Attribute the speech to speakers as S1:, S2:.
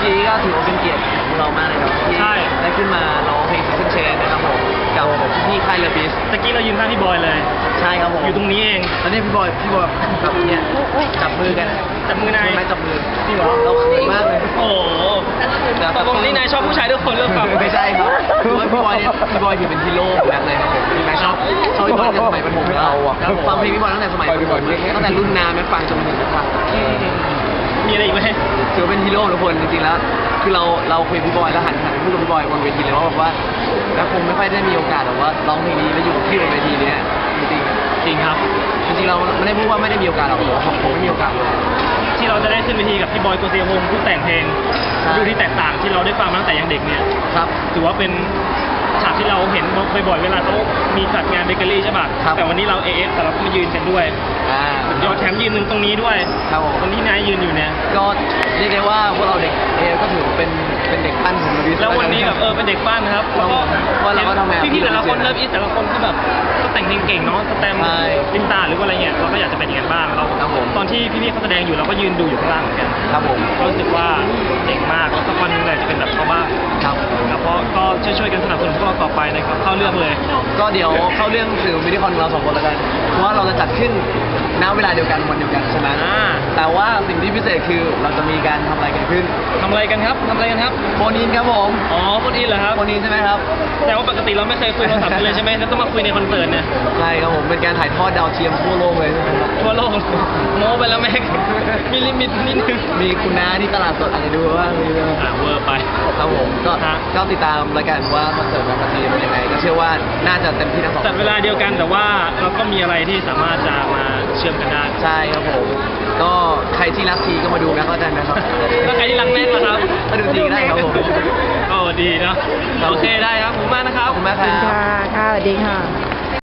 S1: กี้ก็ถือว่าเป็นเกียรติของเรามากเลยครับที่
S2: ใช่
S1: ได้ขึ้นมาร้องเพลงขึ้นเชนนะครับผมกับพี่ค่ายเลบิส
S2: ตะกี้เรายืนข้างพี่บอยเลย
S1: ใช่ครับผม
S2: อยู่ตรงนี้เอง
S1: ตอนนี้พี่บอยแบบเนี่ยจับมือกัน
S2: จับมือนาย
S1: ไม่จับมือ
S2: จริงเหรอ
S1: เราเขินมากเลย
S2: โอ้โหตกลงนี่นายชอบผู้ชายทุกคนหรือเปล่า
S1: ไม่ใช่ครับคือว่าพี่บอยเนี่ยพี่บอยถือเป็นฮีโร่ของแบ็คเลยครับผมพี่แม็กชอบพี่บอยตั้งแต่สมัยประถมแล้วครับผมฟังเพลงพี่บอยตั้งแต่สมัยประถมตั้งแต่รุ่นน้าแม็กฟังจนถึงแม็กฟัง
S2: มีอะไรอีกไหม
S1: ถือว่าเป็นฮีโร่ทุกคนจริงๆแล้วคือเราคุยกับพี่บอยแล้วหันไปพูดกับพี่บอยบนเวทีเลยว่าแบบว่าแล้วคงไม่ค่อยได้มีโอกาสแบบว่าร้องเพลงนี้แล้วอยู่ที่บนเวทีเนี้ยจริง
S2: จริงครับ
S1: ๆจริงๆเราไม่ได้พูดว่าไม่ได้มีโอกาสหรอกผมไม่มีโอกาสเลย
S2: ที่เราจะได้ขึ้นเวทีกับพี่บอยโกเซียวงศ์ผู้แต่งเพลง
S1: ใช่
S2: ดูที่แตกต่างที่เราได้ฟังมาตั้งแต่ยังเด็กเนี่ย
S1: ครับ
S2: ถือว่าเป็นฉากที่เราเห็นบ่อยๆเวลาเขามีจัดงานเบเกอรี่ใช่ป่ะ
S1: ครับ
S2: แต่วันนี้เราแต่เราก็มายืนกันด้วย ยอดแถมยืนหนึ่งตรงนี้ด้วย
S1: ครับผม
S2: ตรงที่นายยืนอยู่เนี่ย
S1: ก็เรียกได้ว่าพวกเราเด็กก็ถือเป็นเด็กปั้นของเราดี
S2: แล้ววันนี้แบบเป็นเด็กบ้านนะครับ
S1: ครับผมเพราะเราก็ทำงาน
S2: พี่ๆแต่ละคนเลิฟอีสแต่ละคนก็แบบก็แต่งเพลงเก่งเนาะสแตมป์
S1: ใช่
S2: ลินตาหรือว่าอะไรเงี้ยเราก็อยากจะเป็นอย่างนั้นบ้างเรา
S1: ครับผม
S2: ตอนที่พี่ๆเขาแสดงอยู่เราก็ยืนดูอยู่ข้างล่างเหมือนกัน
S1: ครับผม
S2: ก็รู้สึกว่าเจ๋งมากแล้วสักวันหนึงเลยจะเป็นแบบเขาบ้าง
S1: ครับ
S2: แล้วก็ช่วยๆกันสนับสนุนพวกเราต่อไปนะครับเข้าเรื่องเลย
S1: ก็เดี๋ยวเข้าเรื่องสื่อมินิคอนของเราสองคนแล้วกันเพราะว่าเราจะจัดขึ้นณเวลาเดียวกันวันเดียวกันใช่ไหม
S2: อ่า
S1: แต่ว่าสิ่งที่พิเศษคือเราจะมีการทำอะไรกันขึ้น
S2: ทำอะไรกันครับทำอะไรกันครับ
S1: โฟนอินครับผม
S2: อ๋อคนอินเหรอครับ
S1: โฟนอินใช่ไหมครับ
S2: แต่ว่าปกติเราไม่เคยคุยโทรศัพท์กันเลยใช่ไหมแล้วต้องมาคุยในคอนเสิร์ตเนี่ย
S1: ใช่ครับผมเป็นการถ่ายทอดดาวเทียมทั่วโลกเลยใช่ไหมครับ
S2: ทั่วโลกโม้ไปแล้วแม็กมีลิมิตนิดนึง
S1: มีคุณน้าที่ตลาดสดอาจจะดูว่ามีเรื่อง
S2: เวอร์ไป
S1: ครับผมก็
S2: ฮะ
S1: ก็ติดตามรายการว่าคอนเสิร์ตแบงค์มาทีเป็นยังไงก็เชื่อว่าน่าจะเต็มที่ทั้งสอง
S2: จัดเวลาเดียวกันแต่ว่าเราก็มีอะไรที่สามารถจะมาเชื่อมกันได้
S1: ใช่ครับผมก็ใครที่รักทีก็มาดูแม็กแล้วกันนะครับ
S2: แล้วใครที่รักแม็กล่ะครับ
S1: มาดูทีก็ได้ครับผม
S2: โอ้ดีเนาะโอเคได้ครับขอบคุณมากนะครับ
S1: ขอบคุณมากค
S3: ขอบ
S1: รั
S3: คุณ
S1: บ
S3: ค่ะ ค่ะสวัสดีค่ะ